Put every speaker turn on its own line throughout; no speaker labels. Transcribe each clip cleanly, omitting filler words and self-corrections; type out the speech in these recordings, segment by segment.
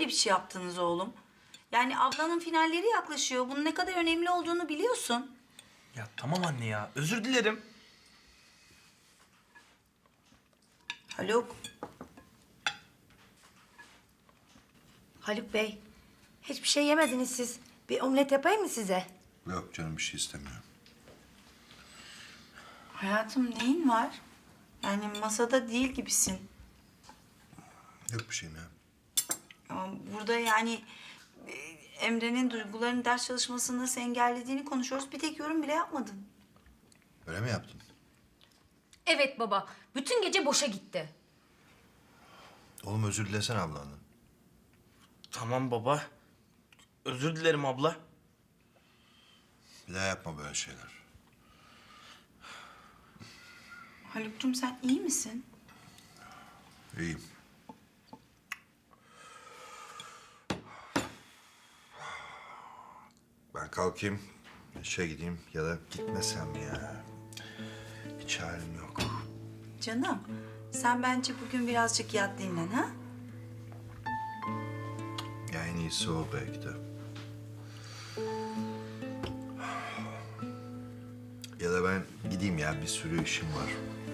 böyle bir şey yaptınız oğlum? Yani ablanın finalleri yaklaşıyor. Bunun ne kadar önemli olduğunu biliyorsun.
Ya tamam anne ya. Özür dilerim.
Haluk.
Haluk Bey, hiçbir şey yemediniz siz. Bir omlet yapayım mı size?
Yok canım bir şey istemiyorum.
Hayatım neyin var? Yani masada değil gibisin.
Yok bir şeyim ya.
Ama burada yani Emre'nin duygularını ders çalışmasını nasıl engellediğini konuşuyoruz. Bir tek yorum bile yapmadın.
Öyle mi yaptın?
Evet baba. Bütün gece boşa gitti.
Oğlum özür dilesene ablandan.
Tamam baba. Özür dilerim abla.
Bir daha yapma böyle şeyler.
Haluk'cum sen iyi misin?
İyiyim. Ben kalkayım, işe gideyim ya da gitmesem ya. Hiç halim yok.
Canım sen bence bugün birazcık yat dinlen ha?
Ya en iyisi o belki de. Ya da ben gideyim ya, bir sürü işim var.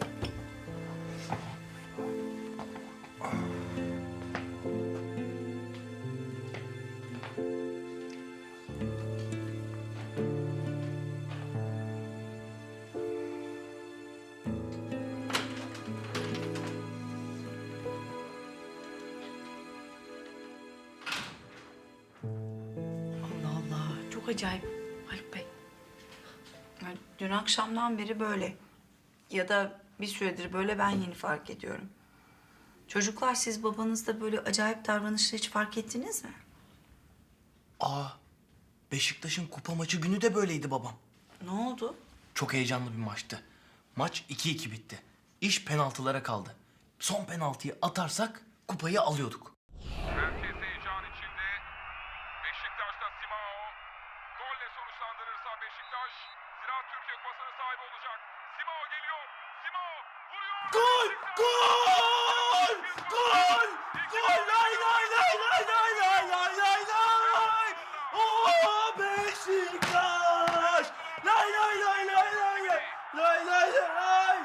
Allah Allah, çok acayip Haluk Bey.
Yani dün akşamdan beri böyle. Ya da bir süredir böyle ben yeni fark ediyorum. Çocuklar siz babanızda böyle acayip davranışları hiç fark ettiniz mi?
Aa, Beşiktaş'ın kupa maçı günü de böyleydi babam.
Ne oldu?
Çok heyecanlı bir maçtı. Maç 2-2 bitti. İş penaltılara kaldı. Son penaltıyı atarsak kupayı alıyorduk.
Herkes heyecan içinde. Beşiktaş'ta Simao. Golle sonuçlandırırsa Beşiktaş Ziraat Türkiye Kupası'nın sahibi olacak. Simao geliyor. Simao vuruyor.
Gol! Gol! Gol! Gol! Lay lay lay lay lay lay lay lay lay! Oo Beşiktaş! Lay lay lay lay lay lay! Lay lay lay!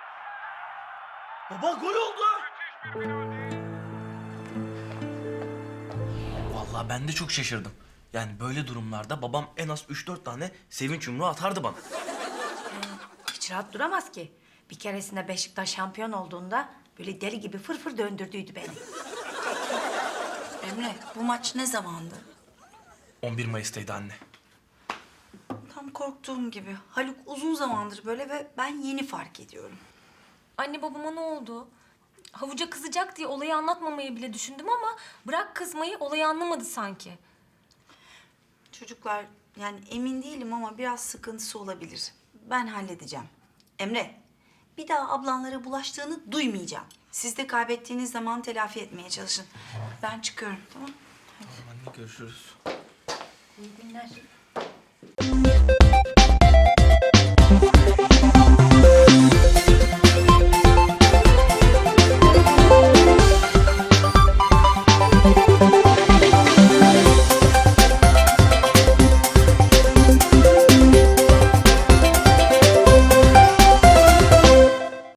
Baba gol oldu! Vallahi ben de çok şaşırdım. Yani böyle durumlarda babam en az 3-4 tane sevinç yumruğu atardı bana.
Hiç rahat duramaz ki. Bir keresinde Beşiktaş şampiyon olduğunda böyle deli gibi fırfır döndürdüydü beni.
Emre bu maç ne zamandı?
11 Mayıs'taydı anne.
Tam korktuğum gibi. Haluk uzun zamandır böyle ve ben yeni fark ediyorum.
Anne babama ne oldu? Havuca kızacak diye olayı anlatmamayı bile düşündüm ama bırak kızmayı, olayı anlamadı sanki.
Çocuklar yani emin değilim ama biraz sıkıntısı olabilir. Ben halledeceğim. Emre bir daha ablanlara bulaştığını duymayacağım. Siz de kaybettiğiniz zaman telafi etmeye çalışın. Ben çıkıyorum tamam?
Tamam anne görüşürüz.
İyi günler.